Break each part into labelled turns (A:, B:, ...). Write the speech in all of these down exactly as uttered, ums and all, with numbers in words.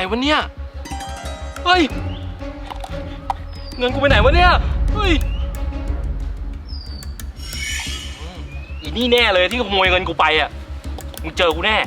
A: วะเนี่ยเฮ้ยเงินกูไปไหนวะเนี่ยเฮ้ยอีนี่แน่เลยที่ขโมยเงินกูไปอ่ะมึงเจอกูแน่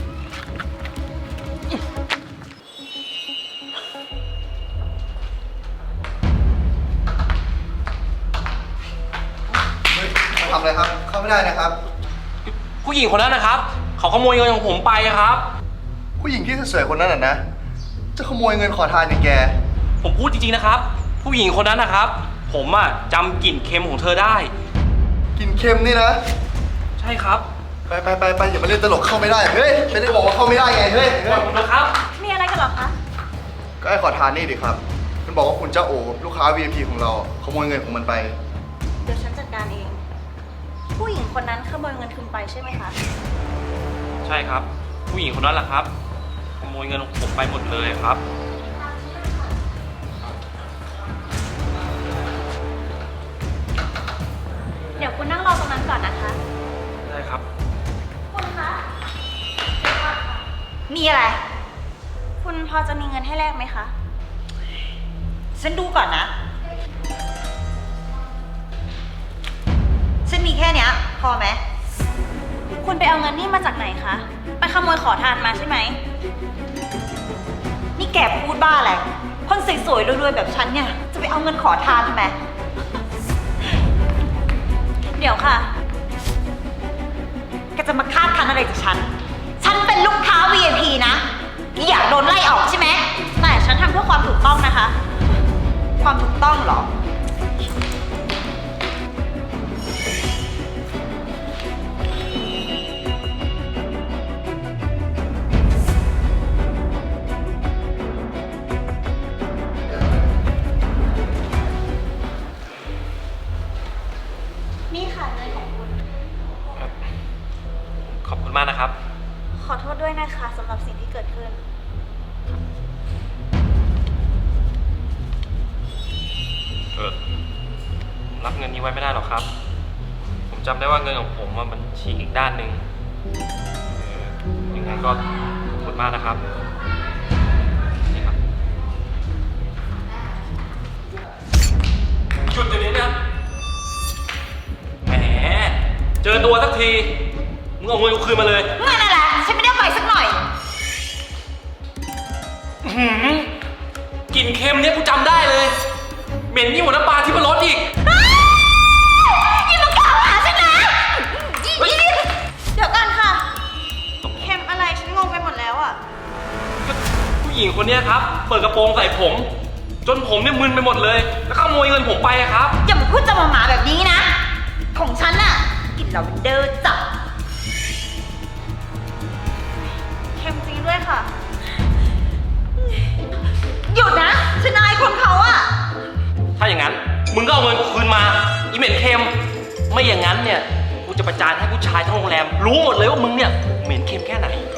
B: ทำอะไรครับเข้าไม่ได้นะครับ
A: ผู้หญิงคนนั้นนะครับเขาขโมยเงินของผมไปครับ
B: ผู้หญิงที่สวยๆคนนั้นน่ะนะจะขโมยเงินขอทานอย่างแก
A: ผมพูดจริงๆนะครับผู้หญิงคนนั้นนะครับผมอะจำกลิ่นเค็มของเธอได้
B: กลิ่นเค็มนี่นะ
A: ใช่ครับ
B: ไปไปไปไปอย่ามาเล่นตลกเข้าไม่ได้เฮ้ยไม่ได้บอกว่าเข้าไม่ได้ไงเฮ้ย
A: ขอบคุณนะครับ
C: มีอะไรกันหรอคะ
B: ก็ไอ้ขอทานนี่ดิครับมันบอกว่าคุณเจ้าโอลูกค้า วี ไอ พี ของเราขโมยเงินของมันไป
C: เดี๋ยวฉันจัดการเองผู้หญิงคนนั้นขโมยเงินคุณไปใช่ไหมคะ
A: ใช่ครับผู้หญิงคนนั้นแหละครับขโมยเงินของผมไปหมดเลยครับ
C: เดี๋ยวคุณนั่งรอตรงนั้นก่อนนะคะ
A: ได้ครับ
C: คุณคะมีอะไรคุณพอจะมีเงินให้แลกไหมคะ
D: ฉันดูก่อนนะฉันมีแค่เนี้ยพอไหม
C: คุณไปเอาเงินนี่มาจากไหนคะไปขโมยขอทานมาใช่ไหม
D: นี่แกพูดบ้าอะไรคนสวยๆรวยๆแบบฉันเนี่ยจะไปเอาเงินขอทานทำไม
C: เดี๋ยวค่ะ
D: แกจะมาคาดคั้นอะไรจากฉันฉันเป็นลูกค้า วี ไอ พี นะอยากโดนไล่ออกใช่ไหม
C: แต่ฉันทำเพื่อความถูกต้องนะคะ
D: ความถูกต้องเหรอ
C: นี่ค่ะเงินของคุณ
A: ขอบคุณมากนะครับ
C: ขอโทษด้วยนะคะสำหรับสิ่งที่เกิดขึ้น
A: เออรับเงินนี้ไว้ไม่ได้หรอกครับผมจำได้ว่าเงินของผมมันฉีกอีกด้านหนึ่งยังไงก็ขอบคุณมากนะครับนี่ครับหยุดเดี๋ยวนี้นะแหมเจอตัวสักทีมึงเอาเงินกูคืนมาเลย
D: เงินอะไรฉันไม่ได้เอาไปสักหน่อย
A: หืมกลิ่นเค็มเนี่ยกูจำได้เลยเหม็นยิ่งกว่าน้ำปลาที่มันรสอีก
D: ยิ่งมากล่าวหาฉันนะ
C: เดี๋ยวกันค่ะเค็มอะไรฉันงงไปหมดแล้วอ่ะ
A: ผู้หญิงคนนี้ครับเปิดกระโปรงใส่ผมจนผมเนี่ยมึนไปหมดเลยแล้วขโมยเงินผมไปครับ
D: อย่ามาพูดจะมาหมาแบบนี้นะของฉันน่ะกินลาเวนเดอร์จับ
C: เค็มจริงด้วยค่ะ
D: หยุดนะฉันอายคนเขาอะ
A: ถ้าอย่างนั้นมึงก็เอาเงินกูคืนมาอีเหม็นเค็มไม่อย่างนั้นเนี่ยกูจะประจานให้ผู้ชายทั้งโรงแรมรู้หมดเลยว่ามึงเนี่ยเหม็นเค็มแค่ไหน